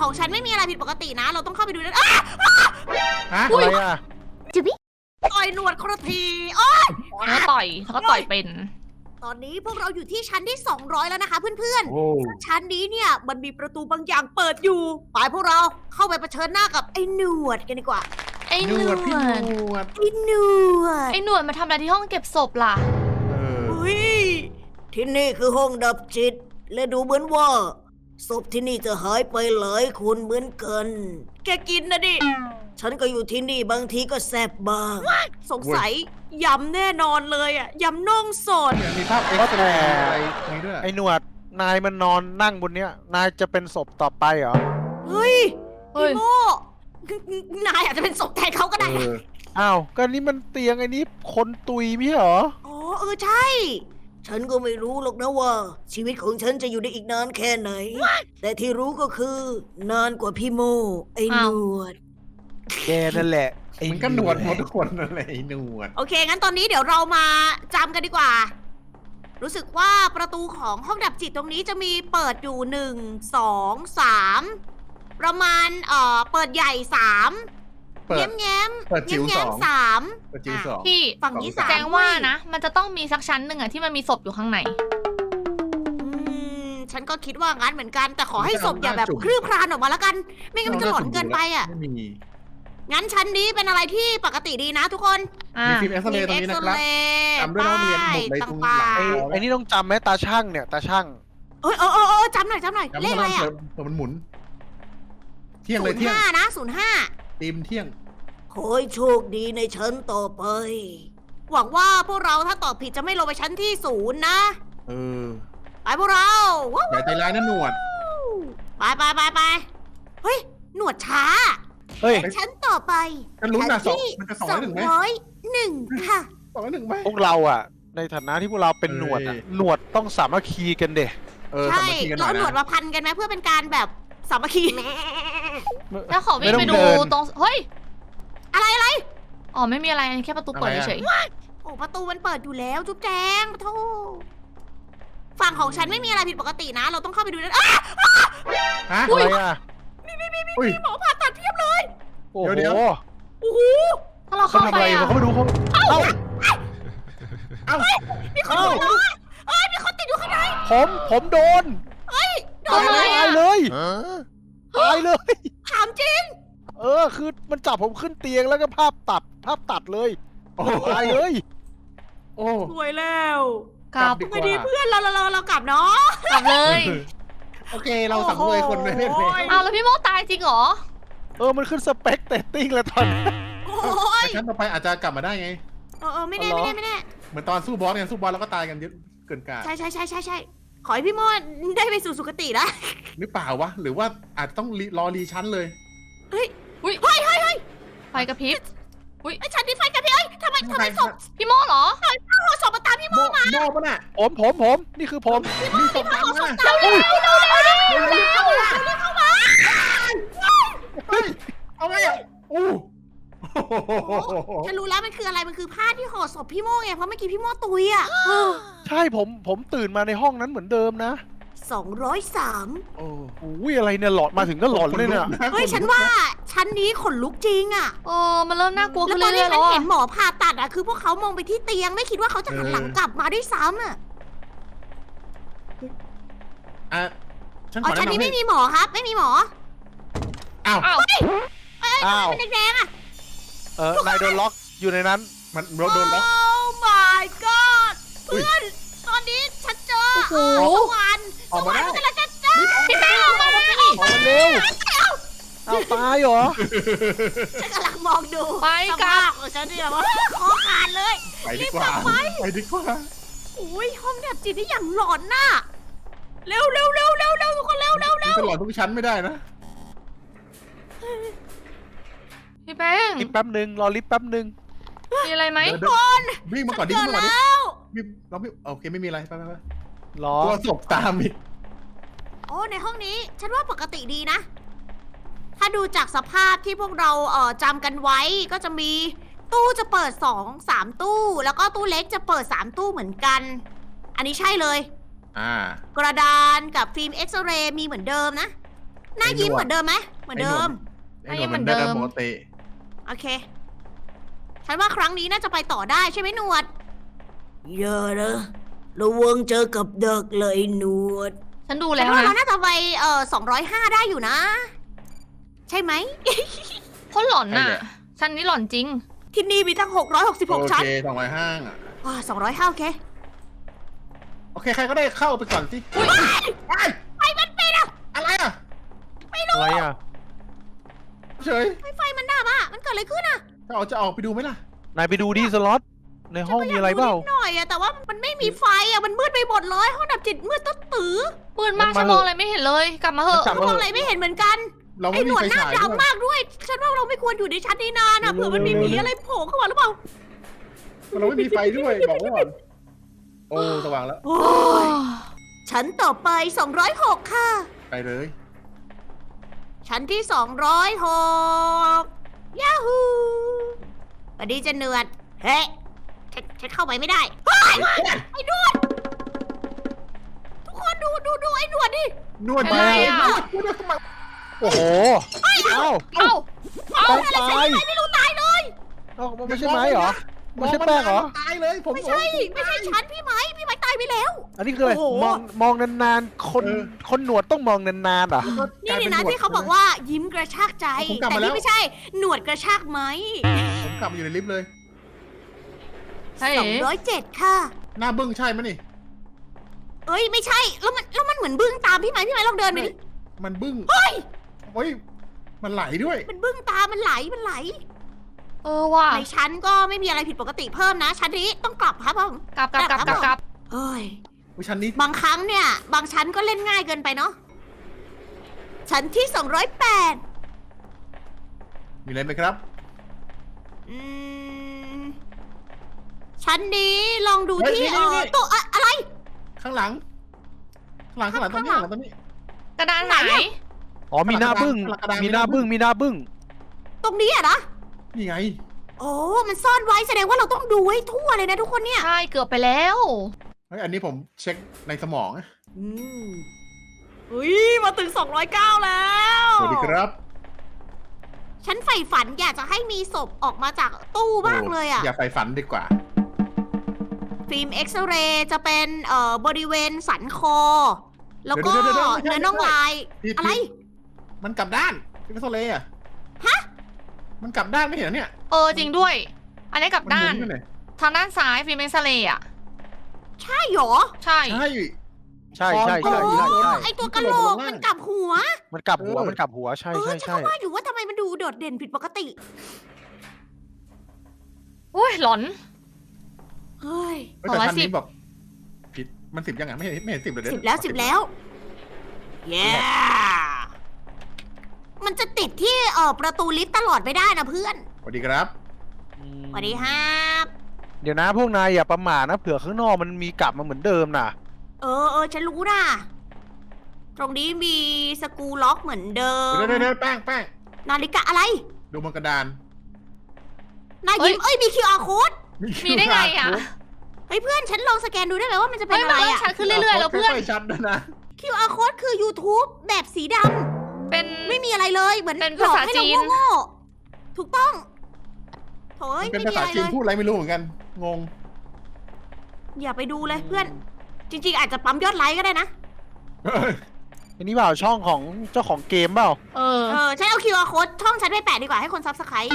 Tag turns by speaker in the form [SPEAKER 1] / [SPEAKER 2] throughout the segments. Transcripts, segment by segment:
[SPEAKER 1] ของฉันไม่มีอะไรผิดปกตินะ เราต้องเข้าไปดูนะ
[SPEAKER 2] ฮะ
[SPEAKER 3] อะไรอ่ะ
[SPEAKER 1] ต่อยหนวดคนละทีโอ๊ย
[SPEAKER 4] แล้วก็ต่อยเป็น
[SPEAKER 1] ตอนนี้พวกเราอยู่ที่ชั้นที่ 200 แล้วนะคะเพื่อน
[SPEAKER 2] โอ้
[SPEAKER 1] ๆ ชั้นนี้เนี่ยมันมีประตูบางอย่างเปิดอยู่ไปพวกเราเข้าไปเผชิญหน้ากับไอ้หนวดกันดีกว่า
[SPEAKER 4] ไอ้ห
[SPEAKER 2] ห
[SPEAKER 4] น
[SPEAKER 2] นว
[SPEAKER 4] ว
[SPEAKER 2] ด
[SPEAKER 4] ด
[SPEAKER 2] พี่หนวด
[SPEAKER 1] ไอ้หนวด
[SPEAKER 4] ไอ้หนวดมาทำอะไรที่ห้องเก็บศพล่ะ
[SPEAKER 2] เออ
[SPEAKER 1] เฮ้ยที่นี่คือห้องดับจิต และดูเหมือนว่าศพที่นี่จะหายไปหลายคนเหมือนกัน แกกินนะดิ ฉันก็อยู่ที่นี่บางทีก็แซบบ้าง สงสัยยำแน่นอนเลยอ่ะยำน่องสด
[SPEAKER 2] เนี่ยมีภาพเอ็กซ์เรย์อะไรอย่างนี้ด้วย
[SPEAKER 3] ไอ้หนวด นายมันนอนนั่งบนเนี้ย นายจะเป็นศพต่อไปเหรอ
[SPEAKER 1] เฮ้ย
[SPEAKER 4] เฮ้ย
[SPEAKER 1] พี่โม่นายอาจจะเป็นศพแทนเขาก็ได้
[SPEAKER 2] เออ
[SPEAKER 3] อ้าว ก็นี่มันเตียงไอ้นี้คนตุยไม่ใช่เหรอ
[SPEAKER 1] อ๋อใช่ ฉันก็ไม่รู้หรอกนะว่า ชีวิตของฉันจะอยู่ได้อีกนานแค่ไหน แต่ที่รู้ก็คือ นานกว่าพี่โมไอ้หน
[SPEAKER 4] อ้าว
[SPEAKER 1] วด
[SPEAKER 3] แกนั่นแหละไอ้
[SPEAKER 2] มันก็หนวดหมดทุกคนนั่นแหละไอ้หนวด
[SPEAKER 1] โอเค งั้นตอนนี้เดี๋ยวเรามาจำกันดีกว่า รู้สึกว่าประตูของห้องดับจิตตรงนี้จะมีเปิดอยู่หนึ่งสองสามประมาณเปิดใหญ่สาม
[SPEAKER 2] เปิด
[SPEAKER 1] แง้มแง้ม
[SPEAKER 2] เปิดจิ๋ว
[SPEAKER 1] แง้ม
[SPEAKER 2] สอง
[SPEAKER 1] สาม
[SPEAKER 2] เปิดจิ๋วสอง
[SPEAKER 4] พี่
[SPEAKER 1] ฝั่งนี้สาม
[SPEAKER 4] แจ้งว่านะ มันจะต้องมีสักชั้นหนึ่งอะที่มันมีศพอยู่ข้างใน
[SPEAKER 1] ฉันก็คิดว่างั้นเหมือนกัน แต่ขอให้ศพอย่าแบบคลืบคลานออกมาแล้วกัน ไม่งั้นมันจะหลอนเกินไปอ่ะ
[SPEAKER 2] ไม่มี
[SPEAKER 1] งั้นชั้นนี้เป็นอะไรที่ปกติดีนะทุกคน
[SPEAKER 4] อ่า
[SPEAKER 2] มีฟิล์มเอ็กซ์เรย์ตรงนี้นะครับ จำด้วยนะว่ามีหมดเลยตรงหลัง
[SPEAKER 1] ต่าง
[SPEAKER 3] ไอ้นี่ต้องจำไหมตาช่างเนี่ย ตาช่าง
[SPEAKER 1] ๆจำหน่อยเลขอะไรอ่ะ
[SPEAKER 2] เปิดมันหมุน เที่ยง
[SPEAKER 1] ศู
[SPEAKER 2] เลย
[SPEAKER 1] นย์
[SPEAKER 2] เที่ยง
[SPEAKER 1] ห้านะ05
[SPEAKER 2] ตีมเที่ยง
[SPEAKER 1] ขอให้โชคดีในชั้นต่อไป หวังว่าพวกเราถ้าตอบผิดจะไม่ลงไปชั้นที่0นะ
[SPEAKER 2] เออ
[SPEAKER 1] ไปพวกเราว้าว
[SPEAKER 2] อย่าใจร้ายนะหนวด
[SPEAKER 1] ไปเฮ้ย หนวดช้า
[SPEAKER 3] เฮ้ย
[SPEAKER 1] ชั้นต่อไป
[SPEAKER 2] กันลุ้นนะ
[SPEAKER 1] ชั้ที่
[SPEAKER 2] มันจะ201ไหม
[SPEAKER 1] 201ค่ะ
[SPEAKER 2] 201ไหม
[SPEAKER 3] พวกเราอ่ะ ในฐานะที่พวกเราเป็นหนวดอ่ะ
[SPEAKER 2] เอ้ย
[SPEAKER 3] หนวดต้องสามัคคีกันเด็
[SPEAKER 2] เออ
[SPEAKER 1] ใช่
[SPEAKER 2] สามัคคีกันหน่
[SPEAKER 1] เรา
[SPEAKER 2] อย
[SPEAKER 1] หนวด
[SPEAKER 2] นะ
[SPEAKER 1] มาพันกันไหมเพื่อเป็นการแบบสามัคคี
[SPEAKER 4] แล้วขอวิ่งไปดูตรง เฮ้ย
[SPEAKER 1] อะไร
[SPEAKER 4] อ๋อไม่มีอะไรแค่ประตูเปิดเฉย
[SPEAKER 1] โอ้ประตูมันเปิดอยู่แล้วจุ๊บแจงปะโทฝั่งของฉันไม่มีอะไรผิดปกตินะ เราต้องเข้าไปดูนะอ้า
[SPEAKER 2] ฮะ
[SPEAKER 3] อะไรอ่ะ
[SPEAKER 2] อุ้ย
[SPEAKER 1] หมอผ่าตัดเพียบเลย
[SPEAKER 3] โอ้โห
[SPEAKER 2] เดี๋ยว
[SPEAKER 1] โอ้โห
[SPEAKER 4] ๆถ้าเรา
[SPEAKER 3] เขา
[SPEAKER 4] เข้า
[SPEAKER 3] ทำ
[SPEAKER 4] ไป
[SPEAKER 3] อะไร
[SPEAKER 4] อะ
[SPEAKER 3] เขาไม่รู้เขาเอ้า
[SPEAKER 2] เอ้า
[SPEAKER 1] มีคนอยู่แล้วอะมีคนติดอยู่ข้างใน
[SPEAKER 3] ผมโดน
[SPEAKER 1] โด
[SPEAKER 4] ทำ
[SPEAKER 1] น
[SPEAKER 4] ไม
[SPEAKER 1] อะไร
[SPEAKER 3] ตายเลยตายเลย
[SPEAKER 1] ถามจริง
[SPEAKER 3] คือมันจับผมขึ้นเตียงแล้วก็ภาพตัดเลย
[SPEAKER 2] โอ้
[SPEAKER 3] ตายเลย
[SPEAKER 2] โอ้
[SPEAKER 1] สวยแล้ว
[SPEAKER 4] กลับ
[SPEAKER 2] ดี
[SPEAKER 1] ไงดีเพื่อนเรากลับเนาะ
[SPEAKER 4] กลับเลย
[SPEAKER 2] โอเคเราสังเวยคนไม่เล่นเลย
[SPEAKER 4] เอาแล้วพี่โมตายจริงเหรอ
[SPEAKER 3] มันขึ้นสเปคเตตติ้งแล้วตอนนี้
[SPEAKER 1] โอ้ย
[SPEAKER 2] แต่ชั้นต่อไปอาจจะกลับมาได้ไง
[SPEAKER 1] ไม่แน่
[SPEAKER 2] เหมือนตอนสู้บอสไงสู้บอสแล้วก็ตายกันเยอะเกินกาด
[SPEAKER 1] ใช่ขอให้พี่โมดได้ไปสู่สุคตินะ
[SPEAKER 2] หรือเปล่าวะ หรือว่าอาจจะต้องรอรีชั้นเลย
[SPEAKER 4] อุ้ย
[SPEAKER 1] เฮ้ย
[SPEAKER 4] ไฟกระพริบ
[SPEAKER 1] ไอ้ฉันนี่ไฟกับพี่เอ้ยทำไมศพ
[SPEAKER 4] พี่โมเหรอ
[SPEAKER 1] ศพมาตามพี่โม
[SPEAKER 2] โม่ปะน่ะ
[SPEAKER 3] ผมนี่คือผม
[SPEAKER 2] มีศพตามมา
[SPEAKER 1] เร็ว
[SPEAKER 2] เฮ้ยเอาไงอ่ะอู้
[SPEAKER 1] ฉันรู้แล้วมันคืออะไรมันคือผ้าที่ห่อศพพี่โมไงเพราะเมื่อกี้พี่โมตุยอ่ะ
[SPEAKER 3] ใช่ผมตื่นมาในห้องนั้นเหมือนเดิมนะ
[SPEAKER 1] 203
[SPEAKER 2] โอ้
[SPEAKER 3] อุ้ยอะไรเนี่ยหลอนมาถึงก็หลอนเลยเนี่ย
[SPEAKER 1] เฮ้ยฉันว่าชั้นนี้ขนลุกจริงอ่ะ
[SPEAKER 4] มันเริ่มน่ากลัว
[SPEAKER 1] แล้
[SPEAKER 4] ขึ้
[SPEAKER 1] วน ตอน
[SPEAKER 4] เรื่
[SPEAKER 1] ที่
[SPEAKER 4] อยๆ
[SPEAKER 1] ฉั
[SPEAKER 4] แล้ว
[SPEAKER 1] นเห็
[SPEAKER 4] อะ
[SPEAKER 1] นหมอผ่าตัดอ่ะคือพวกเขามองไปที่เตียงไม่คิดว่าเขาจะหันหลังกลับมาด้วยซ้ำอ่ะ
[SPEAKER 2] อ่ะฉันข
[SPEAKER 1] อ๋อ
[SPEAKER 2] อ
[SPEAKER 1] ชั้น
[SPEAKER 2] แนะ
[SPEAKER 1] นี้
[SPEAKER 2] นำให้
[SPEAKER 1] ไม่มีหมอครับ ไม่มีหมอ
[SPEAKER 2] อ้าว
[SPEAKER 4] อ้าว
[SPEAKER 3] อ้าว
[SPEAKER 1] มันแดงๆอ่ะ
[SPEAKER 3] นายโดนล็อกอยู่ในนั้น
[SPEAKER 2] มันโดนล็อก
[SPEAKER 1] โอ้ my god
[SPEAKER 2] อุ๊ย
[SPEAKER 1] เพื่อนตอนนี้ฉันเจอ
[SPEAKER 4] โอ้โห
[SPEAKER 1] สวรรค์
[SPEAKER 2] ออกมาได้
[SPEAKER 1] สวรรค์กำลังจะเจอพี่แป้งออกมา
[SPEAKER 3] ออกมาเร็วเอาตายเหรอ
[SPEAKER 1] ฉันกำลังมองดู
[SPEAKER 4] ไปกลับ
[SPEAKER 1] สภาพของฉันเนี่ยว่าคอขาดเลย
[SPEAKER 2] ไปดีกว่า ไปดีกว่า
[SPEAKER 1] อุ้ยห้องแบบจิตนี่อย่างหลอนน่ะเร็วทุกคนเร็ว
[SPEAKER 2] มันจะหลอนทุกชั้นไม่ได้นะ
[SPEAKER 4] พี่แป้ง
[SPEAKER 3] ลิฟต์แป๊บนึงรอลิฟต์แป๊บนึง
[SPEAKER 4] มีอะไรไหม
[SPEAKER 2] เดินวิ่งมาก่อนดิ
[SPEAKER 1] เจ
[SPEAKER 2] วิ่
[SPEAKER 1] อง
[SPEAKER 2] มาก่อนดิ
[SPEAKER 1] แล้ว
[SPEAKER 2] วิ่งเราไม่โอเคไม่มีอะไรไป
[SPEAKER 3] รอ
[SPEAKER 2] ตัวศพตามอีก
[SPEAKER 1] โอ้ในห้องนี้ฉันว่าปกติดีนะ ถ้าดูจากสภาพที่พวกเราจำกันไว้ก็จะมีตู้จะเปิด2-3 ตู้ แล้วก็ตู้เล็กจะเปิด3 ตู้เหมือนกัน อันนี้ใช่เลย
[SPEAKER 2] อ่า
[SPEAKER 1] กระดานกับฟิล์มเอ็กซเรย์มีเหมือนเดิมนะหน้ายิ้มเหมือนเดิมไหมเหมือนเดิม
[SPEAKER 2] ไอ้หนวดมันเดิมปกติ
[SPEAKER 1] โอเค ฉันว่าครั้งนี้น่าจะไปต่อได้ใช่ไหมหนวดเยอะนะระวังเจอกับดักเลยหนวด
[SPEAKER 4] ฉันดู
[SPEAKER 1] ฉั
[SPEAKER 4] แล้
[SPEAKER 1] น
[SPEAKER 4] ว
[SPEAKER 1] ว่าเรา
[SPEAKER 4] นะ
[SPEAKER 1] น่าจะไป205 ได้อยู่นะ ใช่ไหม
[SPEAKER 4] โคตรหลอนน่ะฉันนี่หลอนจริง
[SPEAKER 1] ที่นี่มีทั้ง
[SPEAKER 2] โอ
[SPEAKER 1] 666 ชั้น
[SPEAKER 2] เค205อ่ะ
[SPEAKER 1] 205โอเค
[SPEAKER 2] โอเค ใครก็ได้เข้าไปก่อนสิไปมันเป็นอะไรอ่ะ
[SPEAKER 3] อะไรอ่ะ
[SPEAKER 2] เฉย
[SPEAKER 1] ไฟมันดับอ่ะ มันเกิดอะไรขึ้นอ่ะ
[SPEAKER 2] จะออกไปดูไหมล่ะ
[SPEAKER 3] นายไปดูดิสล็อตในห้องมีอะไรเปล่า
[SPEAKER 1] นิดหน่อยอะแต่ว่ามันไม่มีไฟอะมันมืดไปหมดเลยห้องดับจิตมืดตื้อ
[SPEAKER 4] ปืนมากฉันมองอะไรไม่เห็นเลย กลับมาเถอะ
[SPEAKER 2] กลับ
[SPEAKER 1] มองอะไรไม่เห็นเหมือนกัน
[SPEAKER 2] เรา
[SPEAKER 1] ไอ้
[SPEAKER 2] ไม่
[SPEAKER 1] หน
[SPEAKER 2] มี
[SPEAKER 1] วด
[SPEAKER 2] ไฟ
[SPEAKER 1] หน้า
[SPEAKER 2] ฉาย
[SPEAKER 1] ดำมากด้วย ฉันว่าเราไม่ควรอยู่ในชั้นนี้นานอะเผื่อมันมีหมีอะไรโผล่เข้ามาหรือเปล่า
[SPEAKER 2] เราไม่มีไฟด้วยบอกไว้ก่อนโอ้สว่างแล้ว
[SPEAKER 1] โอ้ยชั้นต่อไป206ค่ะ
[SPEAKER 2] ไปเลย
[SPEAKER 1] ชั้นที่206ยาฮูสวัสดีจะเนือดเฮ้ยฉันเข้าไปไม่ได้เฮ้ยไอ้หนวดทุกคนดูไอ้หนวดดิ
[SPEAKER 2] นวด
[SPEAKER 4] เป็นไรอะ
[SPEAKER 2] นวดทำไม
[SPEAKER 3] โอ้โห เอ้า
[SPEAKER 4] เอ้า
[SPEAKER 3] แป้งตาย
[SPEAKER 1] ไม่รู้ตายเลย
[SPEAKER 3] เอ้าไม่ใช่ไม้เหรอ ไม่ใช่แป้งเหรอ
[SPEAKER 2] ตายเลยผม
[SPEAKER 1] ไม่ใช่ชั้นพี่ไม้ตายไปแล้ว
[SPEAKER 3] อันนี้คืออะไร
[SPEAKER 1] โอ้โห
[SPEAKER 3] มองนานๆ คนหนวดต้องมองนานๆเหรอ
[SPEAKER 1] นี่นะที่เขาบอกว่ายิ้มกระชากใจ แต่นี่ไม่ใช่หนวดกระชากไหม
[SPEAKER 2] ผมกลับมาอยู่ในลิฟต์เลย
[SPEAKER 4] เฮ้ย
[SPEAKER 1] 207ค่ะ
[SPEAKER 2] หน้าบึ้งใช่ไหมนี่
[SPEAKER 1] เอ้ยไม่ใช่แล้วมันเหมือนบึ้งตามพี่ไม้ลองเดินไปดิ
[SPEAKER 2] มันบึ้ง
[SPEAKER 1] เฮ้ย
[SPEAKER 2] โอ้ยมันไหลด้วย
[SPEAKER 1] มันบึ้งตามมันไหล
[SPEAKER 4] เออว่ะ
[SPEAKER 1] ในชั้นก็ไม่มีอะไรผิดปกติเพิ่มนะ ชั้นนี้ต้องกลับครับผม
[SPEAKER 4] กลับ
[SPEAKER 1] เฮ้ย
[SPEAKER 2] อุ๊ยชั้นนี้
[SPEAKER 1] บางครั้งเนี่ย บางชั้นก็เล่นง่ายเกินไปเนาะชั้นที่208
[SPEAKER 2] มีอะไรไหมครับ
[SPEAKER 1] อืมชั้นนี้ลองดู
[SPEAKER 2] เฮ้ย
[SPEAKER 1] ที่
[SPEAKER 2] นี่
[SPEAKER 1] ตัวอะไร
[SPEAKER 2] ข้างหลังตรงนี้
[SPEAKER 1] ข้างหลัง
[SPEAKER 2] ข้างหลังตรงนี้
[SPEAKER 4] กระดานไหน
[SPEAKER 3] อ๋อมีหน้าบึ้ง
[SPEAKER 2] กระดาน
[SPEAKER 3] มีหน้าบึ้ง มีหน้าบึ้ง
[SPEAKER 1] ตรงนี้อะนะ
[SPEAKER 2] นี่ไง
[SPEAKER 1] โอ้มันซ่อนไว้แสดงว่าเราต้องดูให้ทั่วเลยนะทุกคนเนี่ย
[SPEAKER 4] ใช่ เกือบไปแล้ว
[SPEAKER 2] เฮ้ยอันนี้ผมเช็คในสมองนะ
[SPEAKER 1] อุ้ยมาถึง209แล้ว
[SPEAKER 2] สวัสดีครับ
[SPEAKER 1] ฉันใฝ่ฝันอยากจะให้มีศพออกมาจากตู้บ้างเลยอะ
[SPEAKER 2] อย่าไปฝันดีกว่า
[SPEAKER 1] ฟิล์มเอ็กซเรย์จะเป็นบริเวณสันคอ แล้วก็
[SPEAKER 2] เดี๋ยวๆๆๆไม่ใช่
[SPEAKER 1] เนื้อน่องลาย
[SPEAKER 2] ผิด
[SPEAKER 1] อะไร
[SPEAKER 2] มันกลับด้านพี่พัสโลอะ
[SPEAKER 1] ฮะ
[SPEAKER 2] มันกลับด้านไม่เห็นเหรอเนี่ย
[SPEAKER 4] เออจริงด้วย อันนี้กลับด้าน
[SPEAKER 2] มัหมุอยู่ไหน
[SPEAKER 4] ทางด้านซ้ายฟิล์มเอ็กซเรย์อ่ะ
[SPEAKER 1] ใช่เหรอ
[SPEAKER 4] ใช่
[SPEAKER 2] ใช่
[SPEAKER 3] ใช่
[SPEAKER 2] ใช่
[SPEAKER 1] โอ้
[SPEAKER 3] ใช่
[SPEAKER 1] ไอตัวกระโหลกมันกลับหัว
[SPEAKER 3] มันกลับหัว มันกลับหัว ใช่
[SPEAKER 1] เออ
[SPEAKER 3] ใช่
[SPEAKER 1] ฉัน
[SPEAKER 3] ใช่
[SPEAKER 1] ก็ว่าอยู่ว่าทำไมมันดูโดดเด่นผิดปกติ
[SPEAKER 4] อุ้ยหลอน
[SPEAKER 1] เฮ้ย
[SPEAKER 2] เฮ้ยแต่ชั้นนี้
[SPEAKER 4] 210
[SPEAKER 2] แบบผิดมัน10ยังไงไม่เห็น10เลยเดี๋ย
[SPEAKER 1] 10 แล้ว 10 แล้ว เย้มันจะติดที่ประตูลิฟต์ตลอดไม่ได้นะเพื่อน
[SPEAKER 2] สวัสดีครับ
[SPEAKER 1] สวัสดีครับ
[SPEAKER 3] เดี๋ยวนะพวกนายอย่าประมาทนะ เผื่อข้างนอกมันมีกลับมาเหมือนเดิมนะ
[SPEAKER 1] เออฉันรู้นะตรงนี้มีสกรูล็อกเหมือนเดิม
[SPEAKER 2] เดี๋ยวแป้ง
[SPEAKER 1] นาฬิกาอะไร
[SPEAKER 2] ดูบนกระดาน
[SPEAKER 1] นายยิ้มเอ้ยมี QR code
[SPEAKER 4] มีได้ไงอ่ะ
[SPEAKER 1] เฮ้ยเพื่อนฉันลองสแกนดูได้ไหมว่ามันจะเป็
[SPEAKER 4] เฮ้
[SPEAKER 1] น
[SPEAKER 4] ย
[SPEAKER 1] อะ
[SPEAKER 4] มัน
[SPEAKER 1] ไร
[SPEAKER 4] เริ่ม
[SPEAKER 1] อะ
[SPEAKER 4] ชัดขึ้นเรื่อยๆแล้วเพื่อน
[SPEAKER 2] ค่อยๆชัดด้วยนะ
[SPEAKER 1] QR code คือ YouTube แบบสีด
[SPEAKER 4] เป็น
[SPEAKER 1] ำไม่มีอะไรเลยเหมือน
[SPEAKER 4] เป็น
[SPEAKER 1] หลอก
[SPEAKER 4] ภาษา
[SPEAKER 1] ให้
[SPEAKER 4] จี
[SPEAKER 1] เรา
[SPEAKER 4] น
[SPEAKER 1] โง่ๆถูกต้องโถ่ย
[SPEAKER 2] เป็น
[SPEAKER 1] ไม่
[SPEAKER 2] ภา
[SPEAKER 1] มี
[SPEAKER 2] ษา
[SPEAKER 1] อะไร
[SPEAKER 2] จี
[SPEAKER 1] เล
[SPEAKER 2] น
[SPEAKER 1] ย
[SPEAKER 2] พูดอะไรไม่รู้เหมือนกัน งง
[SPEAKER 1] อย่าไปดูเลยเพื่อน จริงๆ อาจจะปั๊มยอดไลค์ก็ได้นะ
[SPEAKER 3] อันนี้เปล่าช่องของเจ้าของเกมเปล่า
[SPEAKER 4] เออ
[SPEAKER 1] ฉันเอา QR code ช่องฉันไปแปะดีกว่าให้คนซับสไครต์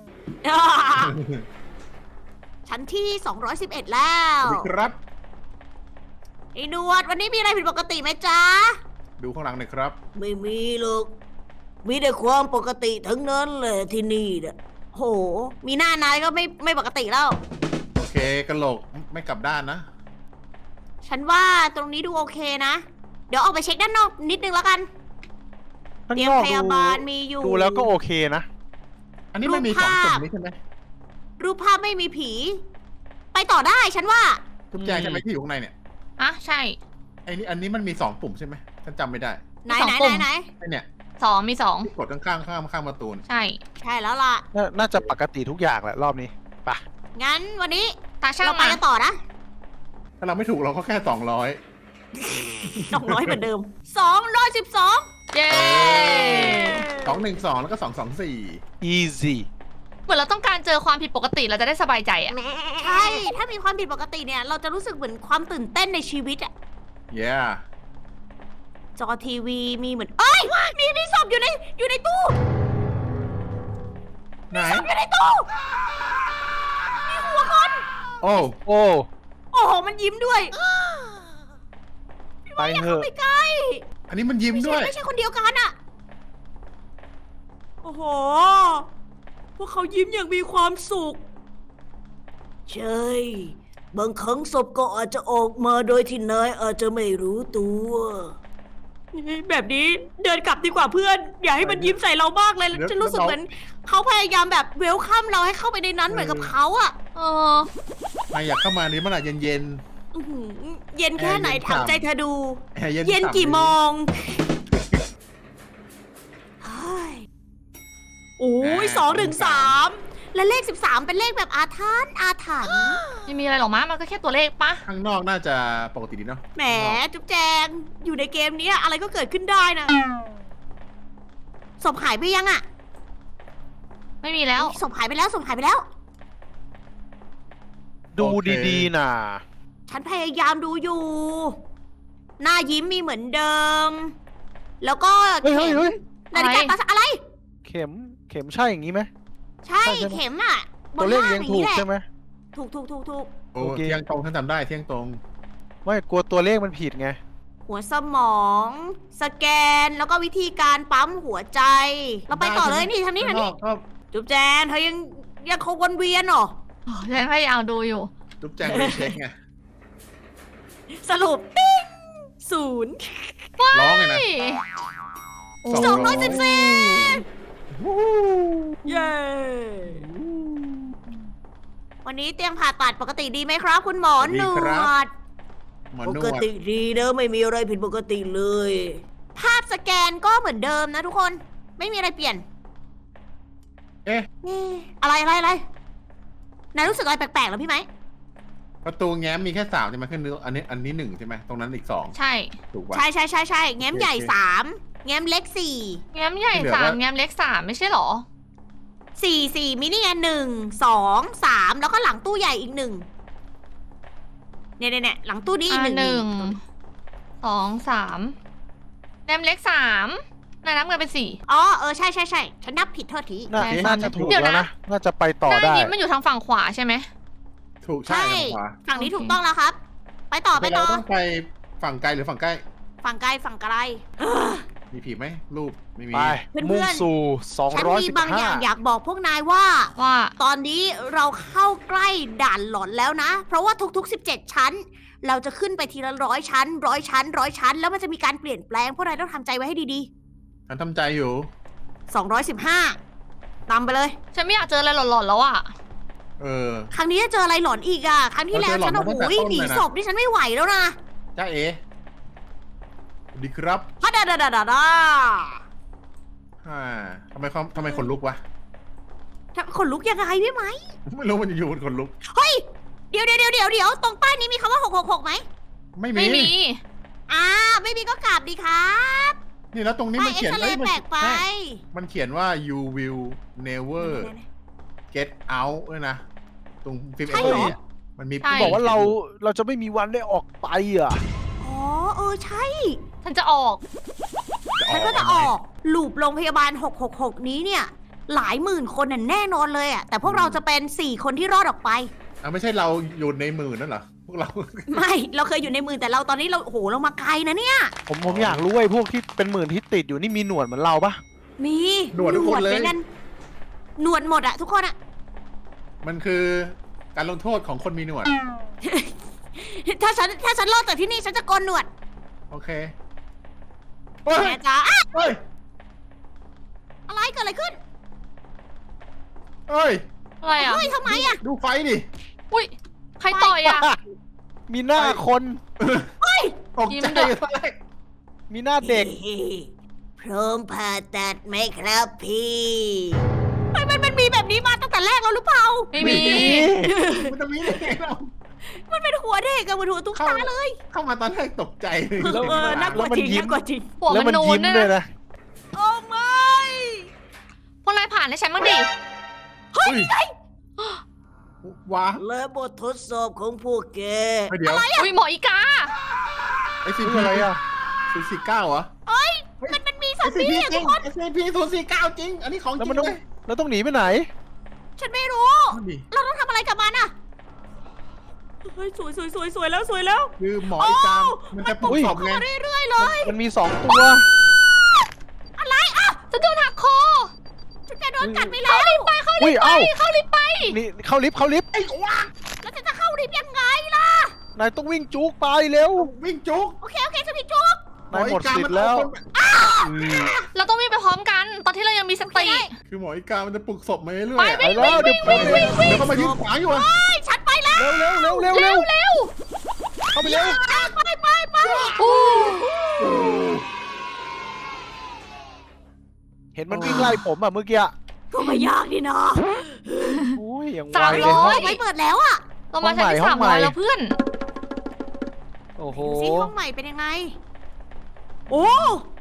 [SPEAKER 1] ชั้นที่ 211 แล้
[SPEAKER 2] ส
[SPEAKER 1] ว
[SPEAKER 2] วัสดีครับ
[SPEAKER 1] ไอ้หนวดวันนี้มีอะไรผิดปกติไหมจ๊ะ
[SPEAKER 2] ดูข้างหลังหน่อยครับ
[SPEAKER 1] ไม่มีหรอกมีแต่ความปกติทั้งนั้นเลยที่นี่เนี่ยโห มีหน้านายก็ไม่ปกติแล้ว
[SPEAKER 2] โอเคกระโหลกไม่กลับด้านนะ
[SPEAKER 1] ฉันว่าตรงนี้ดูโอเคนะ เดี๋ยวออกไปเช็คด้านนอกนิดนึงแล้วกัน
[SPEAKER 3] ข้าง
[SPEAKER 1] เตีย
[SPEAKER 3] น
[SPEAKER 1] ง
[SPEAKER 3] อก
[SPEAKER 1] พยาบาลมีอยู่
[SPEAKER 3] ดูแล้วก็โอเคนะ
[SPEAKER 2] อันนี้ไม่มี
[SPEAKER 1] รูป
[SPEAKER 2] สอง
[SPEAKER 1] ภาพ
[SPEAKER 2] จุดนี้ใช่ไหม
[SPEAKER 1] รูปภาพไม่มีผี ไปต่อได้ฉันว่า
[SPEAKER 2] ทุกแจงใช่ไหมที่อยู่ข้างในเนี่ย
[SPEAKER 4] อ่ะใช่
[SPEAKER 2] อันนี้มันมี2ปุ่มใช่ไหมฉันจำไม่ได้
[SPEAKER 1] ไหน
[SPEAKER 4] มีสอง
[SPEAKER 1] ไหน
[SPEAKER 4] ปุ่ม
[SPEAKER 1] ไหน
[SPEAKER 2] ไอเนี่ย
[SPEAKER 4] มีสอง
[SPEAKER 2] ที่กดข้างประตูเนี่ย
[SPEAKER 4] ใช่
[SPEAKER 1] ใช่แล้วล่ะ
[SPEAKER 3] น่าจะปกติทุกอย่างแหละรอบนี้ไปะ
[SPEAKER 1] งั้นวันนี้
[SPEAKER 4] ตาช่าง
[SPEAKER 1] เราไป
[SPEAKER 4] มา
[SPEAKER 1] กันต่อนะ
[SPEAKER 2] ถ้าเราไม่ถูกเราก็แค่200
[SPEAKER 1] 200เหมือนเดิม212
[SPEAKER 4] เย้
[SPEAKER 2] 212 แล้วก็ 224
[SPEAKER 3] easy
[SPEAKER 4] เหมือนเราต้องการเจอความผิดปกติเราจะได้สบายใจอะ
[SPEAKER 1] ใช่ ถ้ามีความผิดปกติเนี่ย เราจะรู้สึกเหมือนความตื่นเต้นในชีวิตอะ
[SPEAKER 2] yeah
[SPEAKER 1] จอทีวีมีเหมือน เอ้ย มีศพอยู่ในตู้
[SPEAKER 2] ไหน
[SPEAKER 1] อยู่ในตู้ มีหัวคน
[SPEAKER 2] โอ้
[SPEAKER 3] โอ้
[SPEAKER 1] โอ้โห มันยิ้มด้วย
[SPEAKER 3] ไปเถอะ
[SPEAKER 1] ไม่ใกล้
[SPEAKER 2] อันนี้มันยิ้ม
[SPEAKER 1] ไม่
[SPEAKER 2] ด้
[SPEAKER 1] ใช่
[SPEAKER 2] วย
[SPEAKER 1] ไม่ใช่คนเดียวกันอะโอ้โห พวกเขายิ้มอย่างมีความสุข ใช่ บางครั้งศพก็อาจจะออกมาโดยที่นายอาจจะไม่รู้ตัวแบบนี้เดินกลับดีกว่าเพื่อน อย่าให้มันยิ้มใส่เรามากเลยฉันรู้สึกเหมือนเขาพยายามแบบเวลคัมเราให้เข้าไปในนั้นเหมือนกับเขาอะ
[SPEAKER 4] เออ
[SPEAKER 2] นายอยากเข้ามานี่มันอาจเย็น
[SPEAKER 1] อื้อหือเย็นแค่ไหน
[SPEAKER 2] เย็น
[SPEAKER 1] ถามใจเธอดู
[SPEAKER 2] ๆแอร์เย็น
[SPEAKER 1] เย็น
[SPEAKER 2] ฉ่ำ
[SPEAKER 1] กี่โมงเฮ้ยโอ้ย2 ถึง 3และเลข 13 เป็นเลขแบบอาถรรพ์อาถรรพ์
[SPEAKER 4] ไม่มีอะไรหรอกมั้งมันก็แค่ตัวเลขปะ
[SPEAKER 2] ข้างนอกน่าจะปกติดีเนาะ
[SPEAKER 1] แหมจุ๊บแจงอยู่ในเกมนี้อะไรก็เกิดขึ้นได้นะศพหายไปยังอะ
[SPEAKER 4] ไม่มีแล้ว
[SPEAKER 1] ศพหายไปแล้วศพหายไปแล้ว
[SPEAKER 3] ดูดีๆนะ
[SPEAKER 1] ฉันพยายามดูอยู่ หน้ายิ้มมีเหมือนเดิม แล้วก็
[SPEAKER 3] เฮ้ย
[SPEAKER 1] เข็
[SPEAKER 3] เฮ้ย
[SPEAKER 1] ม
[SPEAKER 3] เฮ้ย
[SPEAKER 1] นาฬิกาตาอะไร
[SPEAKER 3] เข็มใช่อย่างนี้ไหม
[SPEAKER 1] ใช่
[SPEAKER 3] ใช่ใช่ไหม
[SPEAKER 1] เข็มอะบ
[SPEAKER 3] ตัวน เลข
[SPEAKER 1] ล่าง
[SPEAKER 3] ยัง
[SPEAKER 1] อย่าง
[SPEAKER 3] ถู
[SPEAKER 1] นี้
[SPEAKER 3] ก
[SPEAKER 1] แหละ
[SPEAKER 3] ใช่ไหม
[SPEAKER 1] ถูก
[SPEAKER 2] โอ้
[SPEAKER 3] โอเค
[SPEAKER 2] เที่ยงตรงฉันจำได้เที่ยงตรง
[SPEAKER 3] ไม่กลัวตัวเลขมันผิดไง
[SPEAKER 1] หัวสมอง สแกนแล้วก็วิธีการปั๊มหัวใจ เราไปต่อเลยนี่ทางนี้ทางนี้
[SPEAKER 2] ก็
[SPEAKER 1] จุ๊บแจนเธอยังคงวนเวียนเหรอ
[SPEAKER 4] ฉันพยายามดูอยู่
[SPEAKER 2] จุ๊บแจงไปเช็คไง
[SPEAKER 1] สรุปติ้ง0
[SPEAKER 2] ร้องไงนะ
[SPEAKER 1] 214เย้วันนี้เตียงผ่าตัดปกติดีไหมครับ คุณหมอหนวด
[SPEAKER 2] หมอ
[SPEAKER 1] ป
[SPEAKER 2] น
[SPEAKER 1] ก
[SPEAKER 2] วด
[SPEAKER 1] ติดีนะไม่มีอะไรผิดปกติเลย ภาพสแกนก็เหมือนเดิมนะทุกคนไม่มีอะไรเปลี่ยน
[SPEAKER 2] เอ๊ะ
[SPEAKER 1] อะไรนายรู้สึกอะไรแปลกๆเหรอพี่ไหม
[SPEAKER 2] ประตูแง้มมีแค่3ใช่ไหมขึ้นอันนี้1ใช่ไหมตรงนั้นอีก2
[SPEAKER 4] ใช่
[SPEAKER 2] ถูกป่ะ
[SPEAKER 1] ใช่แง้มใหญ่
[SPEAKER 2] โอเค
[SPEAKER 1] 3แง้มเล็ก4
[SPEAKER 4] แง้มใหญ่
[SPEAKER 2] ที่เหลือ
[SPEAKER 4] สาม
[SPEAKER 2] ก็
[SPEAKER 4] แง้มเล็กสามไม่ใช่หรอ
[SPEAKER 1] 4มินิไง1 2 3แล้วก็หลังตู้ใหญ่อีก1เนี่ยหลังตู้นี้อีก
[SPEAKER 4] อ่า
[SPEAKER 1] หนึ่ง
[SPEAKER 4] 1 2 3แง้มเล็ก3นายนับเงินเป็น4
[SPEAKER 1] อ๋อใช่ฉันนับผิดโทษที
[SPEAKER 3] น่า
[SPEAKER 4] ใช่
[SPEAKER 3] น่าจะถูก
[SPEAKER 4] เดี๋ยว
[SPEAKER 3] แล้ว
[SPEAKER 4] นะ
[SPEAKER 3] นะ น่าจะไปต่อ
[SPEAKER 4] หน้า
[SPEAKER 3] ได้
[SPEAKER 4] ยิ้มมันอยู่ทางฝั่งขวาใช่ไหม
[SPEAKER 2] ถูกใช่ทางขวา
[SPEAKER 1] ฝั่งนี้
[SPEAKER 4] โอเค
[SPEAKER 1] ถูกต้องแล้วครับ ไปต่อ
[SPEAKER 2] เราต้องไปฝั่งไกลหรือฝั่งใกล้
[SPEAKER 1] ฝั่งไกล
[SPEAKER 2] มีผีไหมรูปไม่มี
[SPEAKER 3] ไป
[SPEAKER 1] เพื่อนๆ
[SPEAKER 3] มุ่งสู่
[SPEAKER 1] ฉันมีบางอย่างอยากบอกพวกนายว่า
[SPEAKER 4] ว่า
[SPEAKER 1] ตอนนี้เราเข้าใกล้ด่านหลอนแล้วนะ เพราะว่าทุกๆ17 ชั้น เราจะขึ้นไปทีละ100 ชั้น 100 ชั้น 100 ชั้น แล้วมันจะมีการเปลี่ยนแปลงพวกนายต้องทำใจไว้ให้ดี
[SPEAKER 2] ฉันทำใจอยู่
[SPEAKER 1] ๆ215นำไปเลย
[SPEAKER 4] ฉันไม่อยากเจออะไรหลอนๆแล้วอ่ะ
[SPEAKER 2] เออ
[SPEAKER 1] ครั้งนี้จะเจออะไรหลอนอีกอ่ะ ครั้งที่แล้ว
[SPEAKER 2] เราเจอหลอน
[SPEAKER 1] ฉันโอ้โห
[SPEAKER 2] มาตั้งแต่ต้น
[SPEAKER 1] หนี
[SPEAKER 2] เลยนะ
[SPEAKER 1] ศพนี่ฉันไม่ไหวแล้วนะ
[SPEAKER 2] จ้าเอ๋ดีครับ
[SPEAKER 1] ฮัดดา
[SPEAKER 2] ทำไมคนลุกวะ
[SPEAKER 1] ขนลุกยังไงพี่ไหม
[SPEAKER 2] ไม่รู้มันอยู่ๆคนลุก
[SPEAKER 1] เฮ้ย เดี๋ยวตรงป้ายนี้มีคำว่า666ไหม
[SPEAKER 2] ไม่
[SPEAKER 4] ไม่มี
[SPEAKER 1] ไม่มีก็กลับดีครับ
[SPEAKER 2] นี่แล้วตรงนี้
[SPEAKER 1] ป้า
[SPEAKER 2] มั
[SPEAKER 1] ย
[SPEAKER 2] น
[SPEAKER 1] เอ็ก
[SPEAKER 2] เขียน
[SPEAKER 1] ซเรย์แปลกไป
[SPEAKER 2] มันเขียนว่า you will never get out ด้วยนะ ตรงฟิล์ม
[SPEAKER 1] ใช่
[SPEAKER 2] เอ็ก
[SPEAKER 1] เหรอ
[SPEAKER 2] ซ์มันมี
[SPEAKER 4] ใช่
[SPEAKER 3] บอกว่าเราจะไม่มีวันได้ออกไปอ่ะ
[SPEAKER 1] อ๋อใช่
[SPEAKER 4] ฉันจะออก
[SPEAKER 1] ฉันก็จะออกลูปโรงพยาบาล666นี้เนี่ย หลายหมื่นคนน่ะแน่นอนเลยอ่ะ แต่พวกเราจะเป็น4คนที่รอดออกไป
[SPEAKER 2] ไม่ใช่เราอยู่ในหมื่นนั่นเหรอ พวกเรา
[SPEAKER 1] ไม่เราเคยอยู่ในหมื่นแต่เราตอนนี้เราโอ้โหเรามาไกลนะเนี่ย
[SPEAKER 3] ผมอยากรู้ไอ้พวกที่เป็นหมื่นที่ติดอยู่นี่มีหนวดเหมือนเราปะ
[SPEAKER 1] มี
[SPEAKER 2] หนวดทุกคนเลย
[SPEAKER 1] หมือกันหนวดหมดอะทุกคนอะ
[SPEAKER 2] มันคือการลงโทษของคนมีหนวด
[SPEAKER 1] ถ้าฉันรอดจากที่นี่ฉันจะโกนหนวด
[SPEAKER 2] โอเคเฮ้ย
[SPEAKER 1] แม่จ๋าอะ
[SPEAKER 2] เฮ้ย
[SPEAKER 1] อะไรเกิดอะไรขึ้น
[SPEAKER 2] เฮ้ย
[SPEAKER 4] อะไรอ่ะ
[SPEAKER 1] เฮ้ยทำไมอะ
[SPEAKER 2] ดูไฟดิ
[SPEAKER 4] อุ้ยใครต่อยอ่ะ
[SPEAKER 3] มีหน้าคน
[SPEAKER 2] ตก
[SPEAKER 4] ยิ้ม
[SPEAKER 2] ใจ
[SPEAKER 4] ด้วย
[SPEAKER 2] ตอนแรก
[SPEAKER 3] มีหน้าเด็ก
[SPEAKER 1] พร้อมผ่าตัดไหมครับพี่มันมีแบบนี้มาตั้งแต่แรกแล้วหรือเปล่า
[SPEAKER 4] ไม่มี
[SPEAKER 2] มันจะมีได้ไงเรา
[SPEAKER 1] มันเป็นหัวเด็กอะมันหัวตุ๊กตาเลย
[SPEAKER 2] เข้ามาตอนแรกตกใจเลย
[SPEAKER 3] แล้ว
[SPEAKER 1] น่ากลัวจริงน่ากลัวจริง
[SPEAKER 4] หัว
[SPEAKER 3] แล้ว
[SPEAKER 4] มัน
[SPEAKER 3] มัน
[SPEAKER 4] นูน
[SPEAKER 3] ยิ้ม
[SPEAKER 4] ด้วย
[SPEAKER 3] ด้วย
[SPEAKER 4] นะ
[SPEAKER 3] นะ
[SPEAKER 4] านให้ฉันบ้างดิ
[SPEAKER 2] เฮ้ยว้า
[SPEAKER 1] และบททดสอบของพวกแก
[SPEAKER 2] เฮ้ยเดี๋ยว
[SPEAKER 4] อุ้ยหมออีกา
[SPEAKER 2] ไอ้สิ
[SPEAKER 3] คืออะไรอ่ะ
[SPEAKER 2] 049เหรอ
[SPEAKER 1] มันมีซอมบี้อะทุกคน
[SPEAKER 2] SCP 049จริง อันนี้ของจ
[SPEAKER 3] แล้ว
[SPEAKER 2] ริ
[SPEAKER 3] มัน
[SPEAKER 2] ง
[SPEAKER 3] ต้อง
[SPEAKER 2] เลย
[SPEAKER 3] แล้วต้องหนีไปไหน
[SPEAKER 1] ฉันไม่รู้
[SPEAKER 2] นั่นดิ
[SPEAKER 1] เราต้องทำอะไรกับมันอะเฮ้ยสวยแล้วสวยแล้ว
[SPEAKER 2] คือหมออีกามมันจะปลุก
[SPEAKER 3] อุ้ย
[SPEAKER 2] ศพไง
[SPEAKER 1] เรื่อยๆเลย
[SPEAKER 3] มันมีสองตัว
[SPEAKER 1] อะไรอ่ะ
[SPEAKER 4] จะโดนหักคอ
[SPEAKER 1] ฉันจะโดนกัดไปแล้ว
[SPEAKER 3] อุ้ยเอ้า
[SPEAKER 4] เข้าลิฟต์ไป
[SPEAKER 3] นี่เข้าลิฟต์เข้าลิฟต์
[SPEAKER 2] ไอ้กวาง
[SPEAKER 1] แล้วฉันจะเข้าลิฟต์ยังไงล่ะ
[SPEAKER 3] นายต้องวิ่งจุกไปเร็ว
[SPEAKER 2] วิ่งจุก
[SPEAKER 1] โอเคฉันพี่จุ๊บ
[SPEAKER 3] นายหมดสิทธิ์แล้ว
[SPEAKER 4] เราต้องวิ่งไปพร้อมกัน ตอนที่เรายังมีสติ
[SPEAKER 2] คือหมออีกามันจะปลุกศพมาเรื่อยๆ
[SPEAKER 4] ไป
[SPEAKER 2] อะ
[SPEAKER 4] วิ่ง
[SPEAKER 3] ไปแล้วเดี๋ยว
[SPEAKER 2] เดี๋ยวเขามายืนขวางอยู่อะ
[SPEAKER 1] เฮ้ยฉันไปแล้ว
[SPEAKER 3] เร็วเร็วเร็วเร็วเร็วเข้าไปเร็ว
[SPEAKER 1] ไป
[SPEAKER 4] อู้
[SPEAKER 3] เห็นมันวิ่งไล่ผมอ่ะเมื่อกี้อะ
[SPEAKER 1] ก็ไม่ยากนี่นะ
[SPEAKER 3] โอ้ยยังไว
[SPEAKER 4] 300
[SPEAKER 3] เลย
[SPEAKER 1] ไม่เปิดแล้วอะ
[SPEAKER 4] เรามาชั้นที่
[SPEAKER 3] ห้องใหม่
[SPEAKER 4] 300แล้วเพื่อน
[SPEAKER 3] โอ้โห
[SPEAKER 1] ดูซิห้องใหม่เป็นยังไง โอ้